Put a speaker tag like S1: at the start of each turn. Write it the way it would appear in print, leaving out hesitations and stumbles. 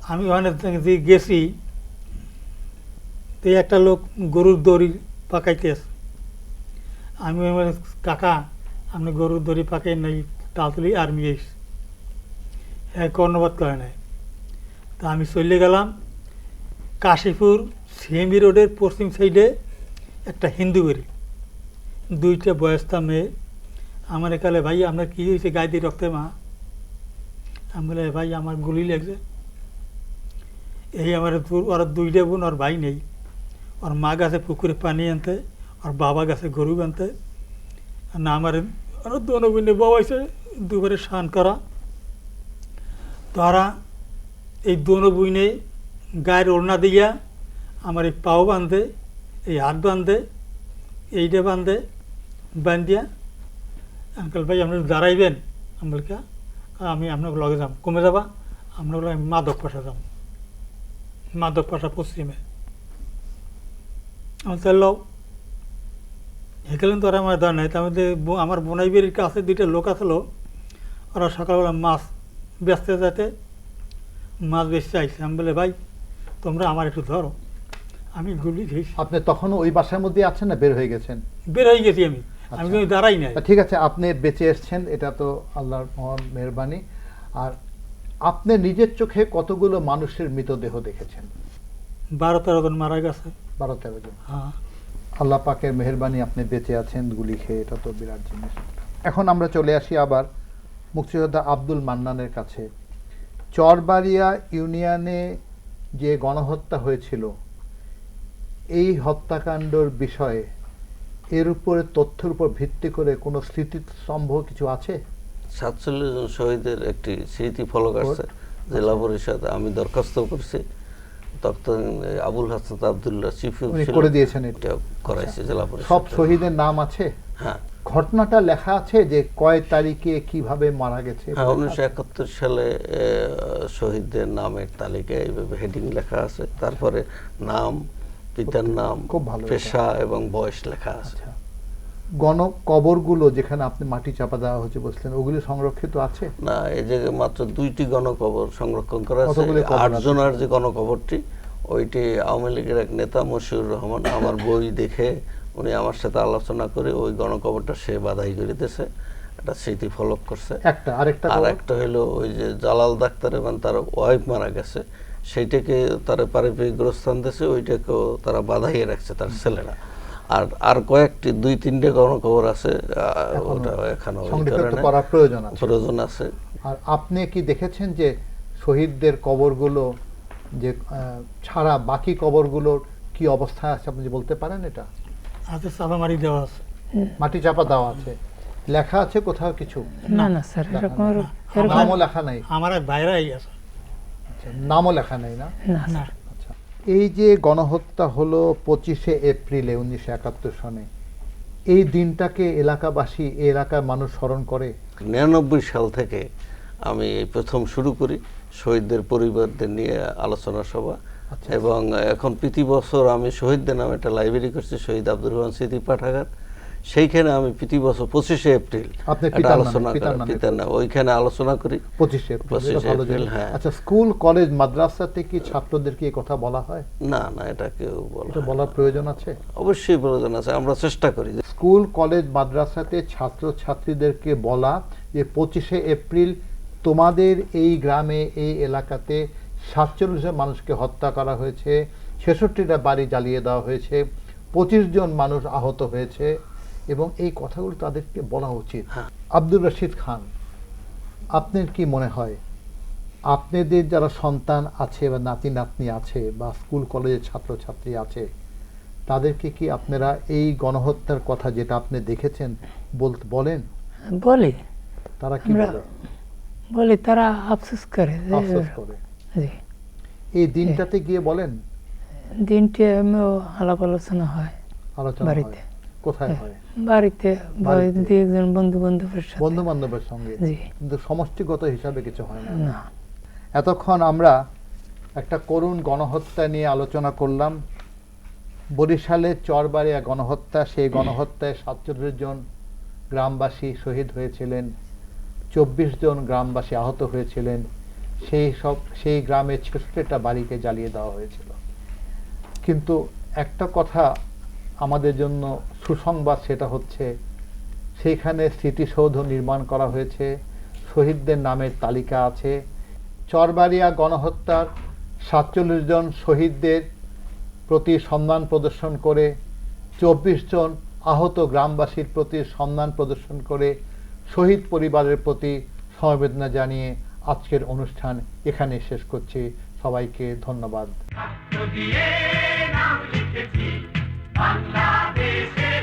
S1: আমি ওখানে যে গেছি, তো একটা লোক গরুর দড়ি পাকাইতে আছে। আমি বললাম, কাকা আপনি গরুর দড়ি পাকাই নাই, তাড়াতাড়ি আর্মি এসে। হ্যাঁ, কর্ণপাত করে নাই। তা আমি চলে গেলাম কাশীপুর সিএমবি রোডের পশ্চিম সাইডে একটা হিন্দু বাড়ি, দুইটা বয়স্তা মেয়ে। আমার একালে, ভাই আপনার কী হয়েছে, গায়ে দিয়ে রক্তে মা? আমি বলে, ভাই আমার গুলি লাগছে। এই আমার ওরা দুইটা বোন, ওর ভাই নেই। ওর মা গেছে পুকুরে পানি আনতে, ওর বাবা গেছে গরু আনতে। না আমার ওরা দোনো বোনে বাবাইছে দুবারে স্নান করা। তারা এই দোনো বইনে গায়ের ওড়না দিয়া আমার এই পাও বাঁধে, এই হাত বাঁধে, এইটা বাঁধে, বান্ধিয়া আঙ্কেল ভাই আপনি দাঁড়াইবেন। আমি বলি, আমি আপনাকে লগে যাম। কমে যাবা? আপনার লগে মাদক পাশা যাম, মাদক পাশা পশ্চিমে। আমার চাইল হেঁকেলেন তো ওরা আমার দাঁড় নাই। তার মধ্যে আমার বোনাই বেরির কাছে দুইটা লোক আসলো, ওরা সকালবেলা মাছ বেচতে যেতে, মাছ বেচতে আইসে। আমি বলে, ভাই তোমরা আমার একটু ধরো, আমি গুলি খেয়েছি।
S2: আপনি তখনও ওই বাসার মধ্যে আছেন না বের হয়ে গেছেন?
S1: বের হয়ে গেছি আমি, আমি কিন্তু দাঁড়াই নাই।
S2: ঠিক আছে, আপনি বেঁচে এসছেন, এটা তো আল্লাহর মহান মেহেরবানি। আর আপনি নিজের চোখে কতগুলো মানুষের মৃতদেহ দেখেছেন?
S1: 12-13 জন মারা গেছে।
S2: 12-13 জন।
S1: হ্যাঁ,
S2: আল্লাহ পাকের মেহেরবানি, আপনি বেঁচে আছেন গুলি খেয়ে, এটা তো বিরাট জিনিস। এখন আমরা চলে আসি আবার মুক্তিযোদ্ধা আব্দুল মান্নানের কাছে। চরবাড়িয়া ইউনিয়নে যে গণহত্যা হয়েছিল, এই হত্যাকাণ্ডের বিষয়ে এর উপরে তথ্যের উপর ভিত্তি করে কোনো স্মৃতিস্তম্ভ কিছু আছে?
S3: 47 জন শহীদের একটি স্মৃতি ফলক আছে জেলা পরিষদ। আমি দরখাস্ত করছি, তখন আবুল হাসনাত আবদুল্লাহ চিফ
S2: করে দিয়েছেন,
S3: এটা করাইছে জেলা পরিষদ।
S2: সব শহীদের নাম আছে?
S3: হ্যাঁ।
S2: ঘটনাটা লেখা আছে যে কয় তারিখে কিভাবে মারা গেছে?
S3: হ্যাঁ, 1971 সালে শহীদদের নামের তালিকায় এইভাবে হেডিং লেখা আছে, তারপরে নাম, পিতার নাম, পেশা এবং বয়স লেখা আছে।
S2: গণকবরগুলো যেখানে আপনি মাটি চাপা দেওয়া হচ্ছে বলছেন, ওগুলি সংরক্ষিত আছে?
S3: না, এই জায়গায় মাত্র 2টি গণকবর সংরক্ষণ করা আছে। 8 জনের যে গণকবরটি, ওইটি আওয়ামী লীগের এক নেতা মশিউর রহমান আমার বই দেখে উনি আমার সাথে আলোচনা করে ওই গণকবরটা সে বাধাই করে দিয়েছে, একটা স্মৃতি ফলক করছে। আর একটা হলো ওই যে জালাল ডাক্তার এবং তার ওয়াইফ মারা গেছে, সেইটাকে তারা পারিবারিক গোরস্থান দিয়েছে, ওইটাকেও তারা বাধাইয়ে রাখছে তার ছেলেরা। আর কয়েকটি 2-3টে গণকবর আছে, ওটা এখনো প্রয়োজন আছে।
S2: আর আপনি কি দেখেছেন যে শহীদদের কবরগুলো যে ছাড়া বাকি কবরগুলোর কি অবস্থায় আছে, আপনি বলতে পারেন? এটা
S1: হাতে চাপা মারি দেওয়া আছে,
S2: মাটি চাপা দেওয়া আছে, লেখা আছে কোথাও কিছু?
S4: না না স্যার,
S2: নামও লেখা নাই?
S1: আমার বাইরেই আছে,
S2: নামও লেখা নাই? না
S1: না।
S2: এই যে গণহত্যা হলো 25শে এপ্রিলে 1971 সনে, এই দিনটাকে এলাকাবাসী, এই এলাকার মানুষ স্মরণ করে।
S3: 99 সাল থেকে আমি প্রথম শুরু করি শহীদদের পরিবারদের নিয়ে আলোচনা সভা, এবং এখন প্রতি বছর আমি শহীদদের নামে একটা লাইব্রেরি করছি, শহীদ আব্দুর রহমান স্মৃতি পাঠাগার। সেইখানে আমি প্রতি বছর 25শে এপ্রিল আলোচনা করি, পিতার নাম, ওইখানে আলোচনা করি
S2: 25শে এপ্রিল। হ্যাঁ। আচ্ছা, স্কুল কলেজ মাদ্রাসাতে কি ছাত্রদেরকে এই কথা বলা হয়?
S3: না না, এটা কেউ
S2: বলার প্রয়োজন আছে?
S3: অবশ্যই প্রয়োজন আছে, আমরা চেষ্টা করি।
S2: স্কুল কলেজ মাদ্রাসাতে ছাত্র ছাত্রীদেরকে বলা যে 25শে এপ্রিল তোমাদের এই গ্রামে, এই এলাকাতে 47 জন মানুষকে হত্যা করা হয়েছে, 66টা বাড়ি জ্বালিয়ে দেওয়া হয়েছে, 25 জন মানুষ আহত হয়েছে, এবং এই কথাগুলো তাদেরকে বলা উচিত। আব্দুর রশিদ খান, আপনার কি মনে হয় আপনাদের যারা সন্তান আছে বা নাতি নাতনি আছে বা স্কুল কলেজের ছাত্রছাত্রী আছে, তাদেরকে কি আপনারা এই গণহত্যার কথা যেটা আপনি দেখেছেন বলেন?
S4: বলি।
S2: তারা কি
S4: বলি? তারা আফসোস করে।
S2: এই দিনটাতে গিয়ে বলেন?
S4: দিনটি আমিও আলাপ আলোচনা হয় বাড়িতে।
S2: কোথায় হয়?
S4: বাড়িতে, বন্ধু বান্ধবের
S2: সঙ্গে, কিন্তু সমষ্টিগত হিসাবে কিছু হয় না। এতক্ষণ আমরা একটা করুণ গণহত্যা নিয়ে আলোচনা করলাম। বরিশালে চরবাড়িয়া গণহত্যা, সেই গণহত্যায় 47 জন গ্রামবাসী শহীদ হয়েছিলেন, 24 জন গ্রামবাসী আহত হয়েছিলেন, সেই গ্রামের 66টা বাড়িকে জ্বালিয়ে দেওয়া হয়েছিল। কিন্তু একটা কথা আমাদের জন্য সুসংবাদ, সেটা হচ্ছে সেইখানে স্মৃতিসৌধ নির্মাণ করা হয়েছে, শহীদদের নামের তালিকা আছে। চরবাড়িয়া গণহত্যার 47 জন শহীদদের প্রতি সম্মান প্রদর্শন করে, 24 জন আহত গ্রামবাসীর প্রতি সম্মান প্রদর্শন করে, শহীদ পরিবারের প্রতি সমবেদনা জানিয়ে আজকের অনুষ্ঠান এখানে শেষ করছি। সবাইকে ধন্যবাদ।